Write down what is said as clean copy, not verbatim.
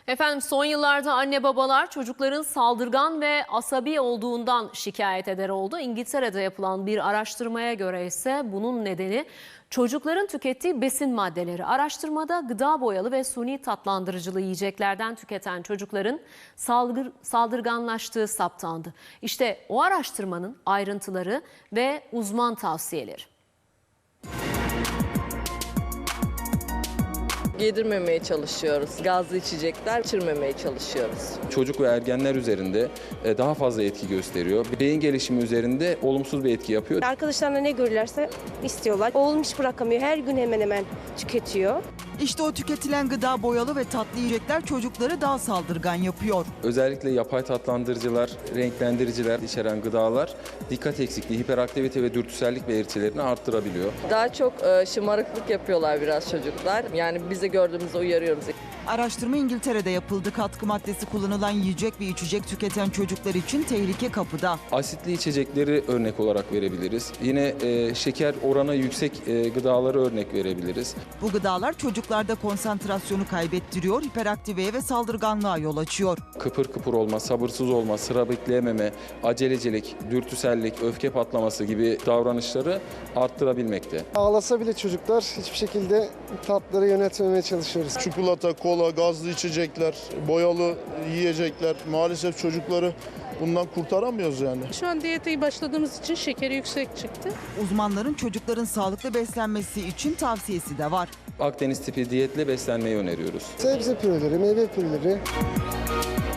Efendim son yıllarda anne babalar çocukların saldırgan ve asabi olduğundan şikayet eder oldu. İngiltere'de yapılan bir araştırmaya göre ise bunun nedeni çocukların tükettiği besin maddeleri. Araştırmada gıda boyalı ve suni tatlandırıcılı yiyeceklerden tüketen çocukların saldırganlaştığı saptandı. İşte o araştırmanın ayrıntıları ve uzman tavsiyeleri. Yedirmemeye çalışıyoruz. Gazlı içecekler içirmemeye çalışıyoruz. Çocuk ve ergenler üzerinde daha fazla etki gösteriyor. Beyin gelişimi üzerinde olumsuz bir etki yapıyor. Arkadaşlarına ne görürlerse istiyorlar. Oğlum hiç bırakamıyor. Her gün hemen hemen tüketiyor. İşte o tüketilen gıda boyalı ve tatlı yiyecekler çocukları daha saldırgan yapıyor. Özellikle yapay tatlandırıcılar, renklendiriciler içeren gıdalar dikkat eksikliği, hiperaktivite ve dürtüsellik belirtilerini arttırabiliyor. Daha çok şımarıklık yapıyorlar biraz çocuklar. Yani biz de gördüğümüzde uyarıyoruz. Araştırma İngiltere'de yapıldı. Katkı maddesi kullanılan yiyecek ve içecek tüketen çocuklar için tehlike kapıda. Asitli içecekleri örnek olarak verebiliriz. Yine şeker oranı yüksek gıdaları örnek verebiliriz. Bu gıdalar çocuklarda konsantrasyonu kaybettiriyor, hiperaktiveye ve saldırganlığa yol açıyor. Kıpır kıpır olma, sabırsız olma, sıra bekleyememe, acelecilik, dürtüsellik, öfke patlaması gibi davranışları arttırabilmekte. Ağlasa bile çocuklar hiçbir şekilde tatları yönetmemeye çalışıyoruz. Çikolata, kola, gazlı içecekler, boyalı yiyecekler maalesef çocukları bundan kurtaramıyoruz yani. Şu an diyete başladığımız için şekeri yüksek çıktı. Uzmanların çocukların sağlıklı beslenmesi için tavsiyesi de var. Akdeniz tipi diyetle beslenmeyi öneriyoruz. Sebze püreleri, meyve püreleri.